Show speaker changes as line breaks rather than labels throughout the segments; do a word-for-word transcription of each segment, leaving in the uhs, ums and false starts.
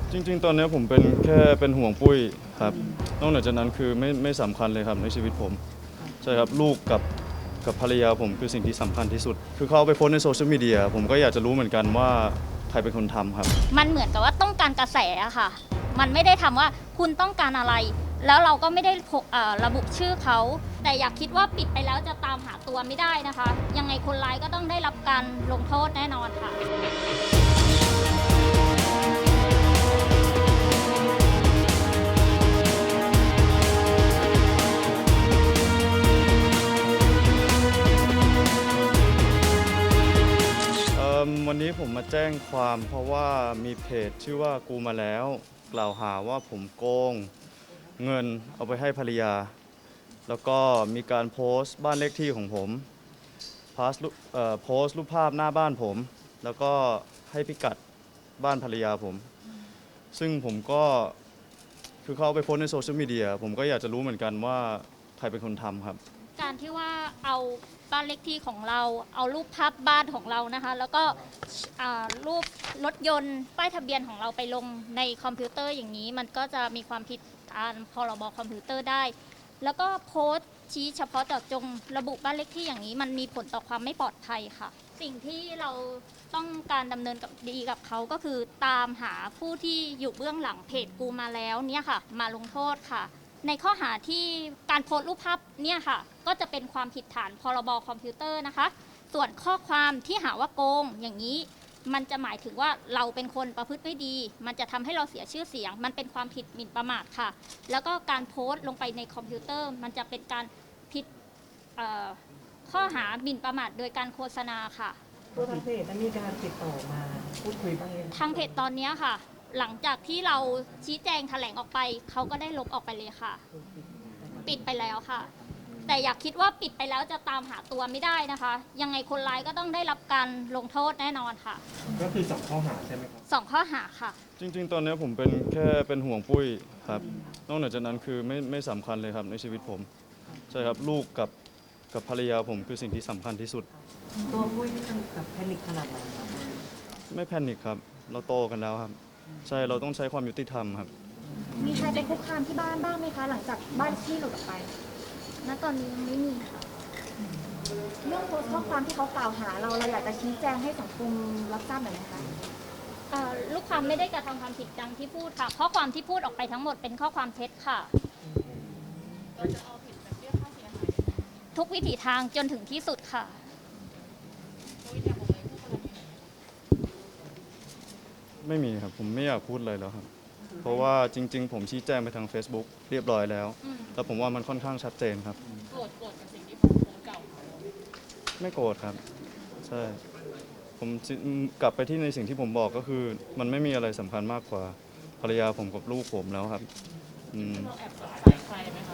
จริงๆ ตอนนี้ผมเป็นแค่เป็นห่วงปุ้ยครับนอกจากนั้นคือไม่ไม่สำคัญเลยครับในชีวิตผมใช่ครับลูกกับกับภรรยาผมคือสิ่งที่สำคัญที่สุดคือเขาเอาไปโพสต์ในโซเชียลมีเดียผมก็อยากจะรู้เหมือนกันว่าใครเป็นคนทำครับ
มันเหมือนกับว่าต้องการกระแสอะค่ะมันไม่ได้ทำว่าคุณต้องการอะไร แล้วเราก็ไม่ได้ระบุชื่อเขาแต่อยากคิดว่าปิดไปแล้วจะตามหาตัวไม่ได้นะคะยังไงคนร้ายก็ต้องได้รับการลงโทษแน่นอนค่ะ
วันนี้ผมมาแจ้งความเพราะว่ามีเพจชื่อว่ากูมาแล้วกล่าวหาว่าผมโกงเงินเอาไปให้ภรรยาแล้วก็มีการโพสต์บ้านเลขที่ของผมโพสต์โพสต์รูปภาพหน้าบ้านผมแล้วก็ให้พิกัดบ้านภรรยาผมซึ่งผมก็คือเขาเอาไปโพสต์ในโซเชียลมีเดียผมก็อยากจะรู้เหมือนกันว่าใครเป็นคนทำครับ
การที่ว่าเอาบ้านเลขที่ของเราเอารูปภาพบ้านของเรานะคะแล้วก็รูปรถยนต์ป้ายทะเบียนของเราไปลงในคอมพิวเตอร์อย่างนี้มันก็จะมีความผิดตามพรบคอมพิวเตอร์ได้แล้วก็โพสต์ชี้เฉพาะเจาะจงระบุบ้านเลขที่อย่างนี้มันมีผลต่อความไม่ปลอดภัยค่ะสิ่งที่เราต้องการดำเนินกับดีกับเขาก็คือตามหาผู้ที่อยู่เบื้องหลังเพจกูมาแล้วเนี่ยค่ะมาลงโทษค่ะในข้อหาที่การโพสต์รูปภาพเนี่ยค่ะก็จะเป็นความผิดฐานพรบคอมพิวเตอร์นะคะส่วนข้อความที่หาว่าโกงอย่างนี้มันจะหมายถึงว่าเราเป็นคนประพฤติไม่ดีมันจะทำให้เราเสียชื่อเสียงมันเป็นความผิดหมิ่นประมาทค่ะแล้วก็การโพสต์ลงไปในคอมพิวเตอร์มันจะเป็นการผิดข้อหาหมิ่นประมาทโดยการโฆษณาค่ะ
ตัวทางเพจมีการติดต่อมาพูดคุยบ้างไหม
ทางเพจตอนนี้ค่ะหลังจากที่เราชี้แจงแถลงออกไปเขาก็ได้ลบออกไปเลยค่ะปิดไปแล้วค่ะแต่อยากคิดว่าปิดไปแล้วจะตามหาตัวไม่ได้นะคะยังไงคนร้ายก็ต้องได้รับการลงโทษแน่นอนค่ะ
ก็คือสองข้อหาใช่ไหมครับ
สองข้อหาค่ะ
จริงๆ ตอนนี้ผมเป็นแค่เป็นห่วงปุ้ยครับนอกจากนั้นคือไม่ไม่สำคัญเลยครับในชีวิตผมใช่ครับลูกกับกับภรรยาผมคือสิ่งที่สำคัญที่สุด
ตัวปุ้ยนี่มันแบบแพนิคขนาดไหนครับ
ไม่แพนิคครับเราโตกันแล้วครับใช่เราต้องใช้ความยุติธรรมครับ
มีใครไปคุกคามที่บ้านบ้างไหมคะหลังจากบ้านที่หลุดออกไปณตอนนี้ยังไม่มีค่ะเรื่องโพสต์ข้อความที่เขากล่าวหาเราเราอยากจะชี้แจงให้สังคมรับทราบหน่อยไหมคะ
ลูกความไม่ได้กระทำความผิดดังที่พูดค่ะข้อความที่พูดออกไปทั้งหมดเป็นข้อความเท็จค่ะเราจะเอาผิดแบบเรียกค่าเสียหายทุกวิถีทางจนถึงที่สุดค่ะ
ไม่มีครับผมไม่อยากพูดเลยแล้วครับเพราะว่าจริงๆผมชี้แจงไปทาง Facebook เรียบร้อยแล้วแล้วผมว่ามันค่อนข้างชัดเจนครับ
โกรธโกรธกับสิ่งที่ผมโพสต์เก่า
ไม่โกรธครับใช่ผมกลับไปที่ในสิ่งที่ผมบอกก็คือมันไม่มีอะไรสำคัญมากกว่าภรรยาผมกับลูกผมแล้วครับ
เราแอบสงสัยใครไหมคะ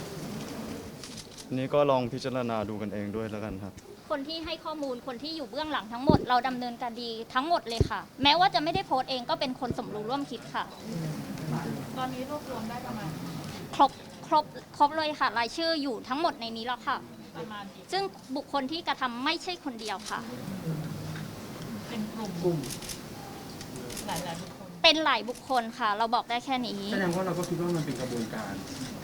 นี่ก็ลองพิจารณาดูกันเองด้วยแล้วกันครับ
คนที่ให้ข้อมูลคนที่อยู่เบื้องหลังทั้งหมดเราดำเนินการดีทั้งหมดเลยค่ะแม้ว่าจะไม่ได้โพสต์เองก็เป็นคนสมรู้ร่วมคิดค่ะตอนนี้รวบรวมได้ประมาณครบครบครบเลยค่ะรายชื่ออยู่ทั้งหมดในนี้แล้วค่ะประมาณซึ่งบุคคลที่กระทำไม่ใช่คนเดียวค่ะเป็นกลุ่มกลุ่มหลายหลายบุคคลเป็นหลายบุคคลค่ะเราบอกได้แค่นี้
แสดงว่าเราก็คิดว่ามันเป็นกระบวนการ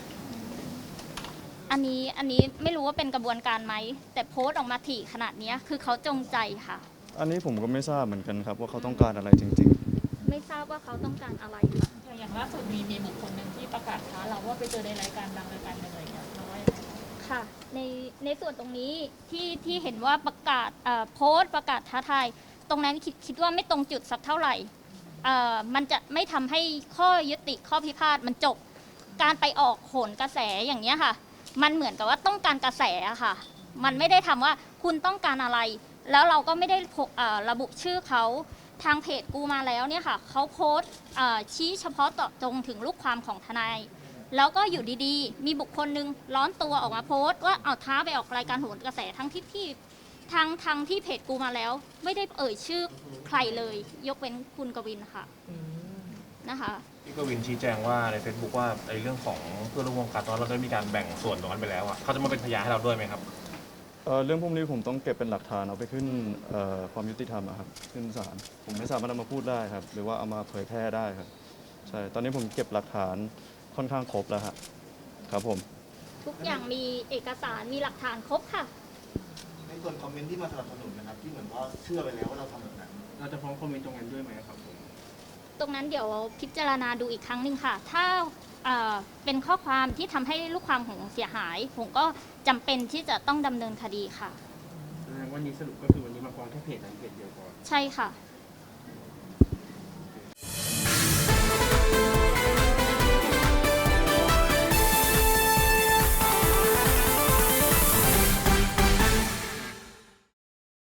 อันนี้อันนี้ไม่รู้ว่าเป็นกระบวนการไหมแต่โพสต์ออกมาถี่ขนาดนี้คือเขาจงใจค่ะ
อันนี้ผมก็ไม่ทราบเหมือนกันครับว่าเขาต้องการอะไรจริง
ๆไม่ทราบว่าเขาต้องการอะไรค่ะอย่างล่าสุดมีมีบุคคลหนึ่งที่ประกาศท้าเราว่าไปเจอในรายการดังรายการหนึ่งอะไรอย่างเงี้ยเราว่าอย่างไรค่ะในในส่วนตรงนี้ที่ที่เห็นว่าประกาศโพสต์ประกาศท้าทายตรงนั้นคิดคิดว่าไม่ตรงจุดสักเท่าไหร่มันจะไม่ทำให้ข้อยุติข้อพิพาทมันจบการไปออกโหนกระแสอย่างนี้ค่ะมันเหมือนกับว่าต้องการกระแสค่ะมันไม่ได้ทำว่าคุณต้องการอะไรแล้วเราก็ไม่ได้ระบุชื่อเขาทางเพจกูมาแล้วเนี่ยค่ะเขาโพสต์ชี้เฉพาะเจาะจงถึงลูกความของทนายแล้วก็อยู่ดีๆมีบุคคลนึงร้อนตัวออกมาโพสต์ว่าเอาท้าไปออกรายการโหนกระแสทั้งที่ที่ทางทางที่เพจกูมาแล้วไม่ได้เอ่ยชื่อใครเลยยกเว้นคุณกวินค่ะนะคะ
พี่กวินชี้แจงว่าใน Facebook ว่าในเรื่องของเพื่อนร่วมวงการตอนเราได้มีการแบ่งส่วนตรงนั้นไปแล้วอ่ะเขาจะมาเป็นพยานให้เราด้วยไหมครับ
เเรื่องพวกนี้ผมต้องเก็บเป็นหลักฐานเอาไปขึ้นความยุติธรรมครับขึ้นศาลผมไม่สามารถเอามาพูดได้ครับหรือว่าเอามาเผยแพร่ได้ครับใช่ ตอนนี้ผมเก็บหลักฐานค่อนข้างครบแล้วฮะครับผม
ทุกอย่างมีเอกสารมีหลักฐานครบค่ะ
ในส่วนคอมเมนต์ที่มาสนับสนุนนะครับที่เหมือนว่าเชื่อไปแล้วว่าเราทำแบบนั้น
เราจะฟ้องคอมเมนต์ตรงนั้นด้วยไหมครับผม
ตรงนั้นเดี๋ยวพิจารณาดูอีกครั้งหนึ่งค่ะ ถ้าเอ่อเป็นข้อความที่ทำให้ลูกความของเสียหาย ผมก็จำเป็นที่จะต้องดำเนินคดีค่ะ
แสดงว่านี้สรุปก็คือวันนี้มาฟ้องแค่เพจนั้นเพจเดียวก่อน
ใช่ค่ะ